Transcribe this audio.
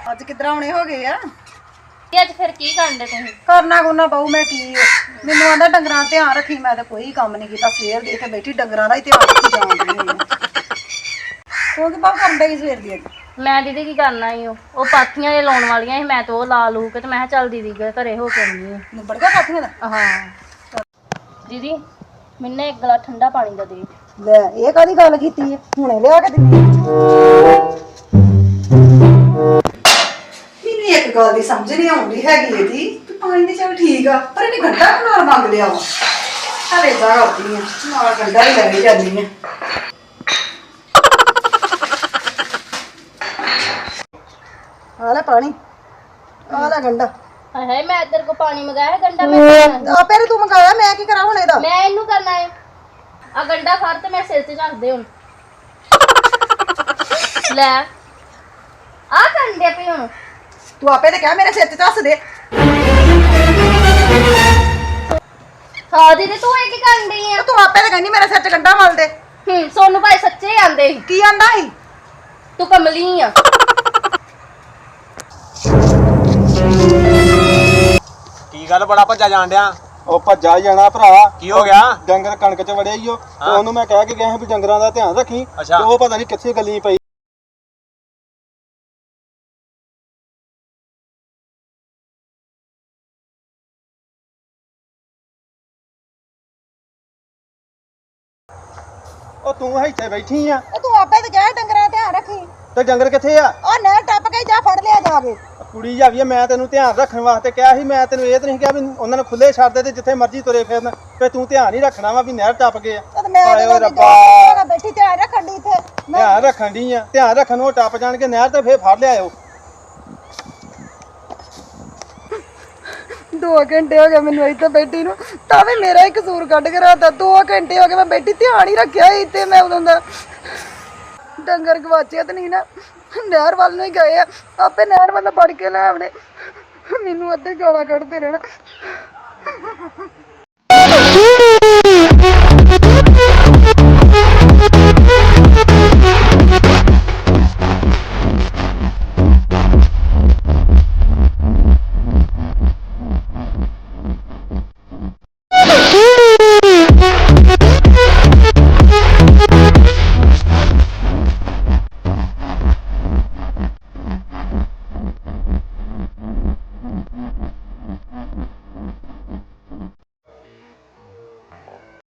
ਅੱਜ ਕਿੱਦਾਂ ਆਉਣੇ ਹੋ ਗਏ ਆ ਤੇ ਅੱਜ ਫਿਰ ਕੀ ਕਰਨ ਦੇ ਤੁਸੀਂ? ਕਰਨਾ ਕੋਨਾ ਬਹੁ ਮੈਂ ਕੀ ਮੈਨੂੰ ਆਂਦਾ ਡੰਗਰਾਂ ਦਾ ਧਿਆਨ ਰੱਖੀ। ਮੈਂ ਤਾਂ ਕੋਈ ਕੰਮ ਨਹੀਂ ਕੀਤਾ ਸਵੇਰ ਦੀ, ਇੱਥੇ ਬੈਠੀ ਡੰਗਰਾਂ ਦਾ ਹੀ ਧਿਆਨ ਰੱਖੀ ਜਾਣ ਰਹੀ ਹਾਂ। ਤੂੰ ਕੀ ਬਾਹਰ ਕਰਨ ਡਈ ਸਵੇਰ ਦੀ? ਮੈਂ ਦੀਦੀ ਕੀ ਕਰਨਾ ਈ ਉਹ ਪਾਥੀਆਂ ਜੇ ਲਾਉਣ ਵਾਲੀਆਂ ਸੀ, ਮੈਂ ਤਾਂ ਉਹ ਲਾ ਲੂ ਕੇ ਤੇ ਮੈਂ ਕਿਹਾ ਚੱਲ ਦੀਦੀ ਘਰੇ ਹੋ ਕੇ ਆਉਂਦੀ ਆ। ਨਿਬੜ ਗਿਆ ਪਾਥੀਆਂ ਦਾ? ਹਾਂ ਦੀਦੀ ਮੈਨੂੰ ਇੱਕ ਗਲਾ ਠੰਡਾ ਪਾਣੀ ਦਾ ਦੇ। ਲੈ ਇਹ ਕਾਹਦੀ ਗੱਲ ਕੀਤੀ ਹੈ? ਹੁਣੇ ਲਿਆ ਕੇ ਦਿੰਦੀ। ਮੈਨੂੰ ਇੱਕ ਗੱਲ ਦੀ ਸਮਝ ਨਹੀਂ ਆਉਂਦੀ ਹੈਗੀ ਇਹਦੀ ਕਿ ਪਾਣੀ ਦੀ ਚੱਲ ਠੀਕ ਆ ਪਰ ਇਹਨੇ ਗੰਡਾ ਨਾਲ ਮੰਗ ਲਿਆ ਵਾ। ਹਲੇ ਜਾ ਕਰਦੀ ਆ ਨਾਲ ਗੰਡਾ ਹੀ ਲੈ ਜਾਂਦੀ ਆ। ਆ ਲੈ ਪਾਣੀ, ਆ ਲੈ ਗੰਡਾ। ਹਾਏ ਮੈਂ ਇੱਧਰ ਕੋ ਪਾਣੀ ਮੰਗਾਇਆ ਗੰਡਾ ਮੈਂ ਆਪੇ ਤੂੰ ਮੰਗਾਇਆ, ਮੈਂ ਕੀ ਕਰਾਂ ਹੁਣ ਇਹਦਾ? ਮੈਂ ਇਹਨੂੰ ਕਰਨਾ ਹੈ ਆ ਗੰਡਾ ਫੜ ਤੇ ਮੈਂ ਸਿਰ ਤੇ ਰੱਖ ਦੇ ਹੁਣ। ਲੈ ਆ ਕੰਡੇ ਪਈ ਹੁਣ ਤੂੰ ਆਪੇ ਤੇ ਕਹਿ ਮੇਰੇ ਸਿਰ ਤੇ ਦੱਸ ਦੇ। ਹਾਂ ਦੀਦੀ ਤੂੰ ਇਹ ਕੀ ਕਰਨ ਡਈ ਆ? ਤੂੰ ਆਪੇ ਤੇ ਕਹਿੰਦੀ ਮੇਰੇ ਸਿਰ 'ਚ ਗੰਡਾ ਮਲ ਦੇ। ਸੋਨੂੰ ਭਾਈ ਸੱਚੇ ਆਂਦੇ ਸੀ। ਕੀ ਆਂਦਾ ਸੀ? ਤੂੰ ਕਮਲੀ ਆ। ਕੀ ਗੱਲ ਬੜਾ ਭੱਜਾ ਜਾਣ ਡਿਆ? ਉਹ ਭੱਜਾ ਹੀ ਜਾਣਾ ਭਰਾ। ਕੀ ਹੋ ਗਿਆ? ਡੰਗਰ ਕਣਕ 'ਚ ਵੜਿਆ ਹੀ ਉਹ ਤੇ ਉਹਨੂੰ ਮੈਂ ਕਹਿ ਕੇ ਗਿਆ ਸੀ ਵੀ ਡੰਗਰਾਂ ਦਾ ਧਿਆਨ ਰੱਖੀ ਤੇ ਉਹ ਪਤਾ ਨਹੀਂ ਕਿੱਥੇ ਗੱਲੀ ਪਈ। ਉਹ ਤੂੰ ਇੱਥੇ ਬੈਠੀ ਆ ਤੂੰ ਆਪੇ ਤੇ ਕਹਿ ਡੰਗਰਾਂ ਦਾ ਧਿਆਨ ਰੱਖੀ। ਤੇ ਡੰਗਰ ਕਿੱਥੇ ਆ? ਉਹ ਨਹਿਰ ਟੱਪ ਕੇ ਜਾ ਫੜ ਲਿਆ ਜਾ ਕੇ। ਕੁੜੀ ਜਾਵੀਏ ਮੈਂ ਤੈਨੂੰ ਧਿਆਨ ਰੱਖਣ ਵਾਸਤੇ ਕਿਹਾ ਸੀ। ਮੈਂ ਤੈਨੂੰ ਇਹ ਤਾਂ ਨਹੀਂ ਕਿਹਾ ਵੀ ਉਹਨਾਂ ਨੂੰ ਖੁੱਲੇ ਛੱਡ ਦੇ ਤੇ ਜਿੱਥੇ ਮਰਜ਼ੀ ਤੁਰੇ ਫਿਰਨ ਤੇ ਤੂੰ ਧਿਆਨ ਹੀ ਰੱਖਣਾ ਵਾ ਵੀ ਨਹਿਰ ਟੱਪ ਗਏ ਆ। ਤੇ ਮੈਂ ਹਾਏ ਓਏ ਰੱਬਾ, ਬੈਠੀ ਧਿਆਨ ਰੱਖਣ ਦੀ ਇੱਥੇ। ਧਿਆਨ ਰੱਖਣ ਦੀ ਆ। ਧਿਆਨ ਰੱਖਣ ਨੂੰ ਟੱਪ ਜਾਣਗੇ ਨਹਿਰ ਤੇ ਫੇਰ ਫੜ ਲਿਆਇਓ। 2 ਘੰਟੇ ਹੋ ਗਏ ਮੈਨੂੰ ਇੱਥੇ ਬੈਠੀ ਨੂੰ, ਤਾਂ ਵੀ ਮੇਰਾ ਹੀ ਕਸੂਰ ਕੱਢ ਕੇ ਰਾਤਾ। 2 ਘੰਟੇ ਹੋ ਗਏ ਮੈਂ ਬੈਠੀ ਧਿਆਨ ਹੀ ਰੱਖਿਆ ਸੀ ਇੱਥੇ। ਮੈਂ ਉਦੋਂ ਦਾ ਡੰਗਰ ਗਵਾਚਿਆ ਤੇ ਨਹੀਂ ਨਾ, ਨਹਿਰ ਵੱਲ ਨੂੰ ਹੀ ਗਏ ਆ। ਆਪੇ ਨਹਿਰ ਵੱਲ ਫੜ ਕੇ ਲੈ ਆਉਣੇ। ਮੈਨੂੰ ਅੱਧੇ ਗਾਲਾਂ ਕੱਢਦੇ ਰਹਿਣਾ।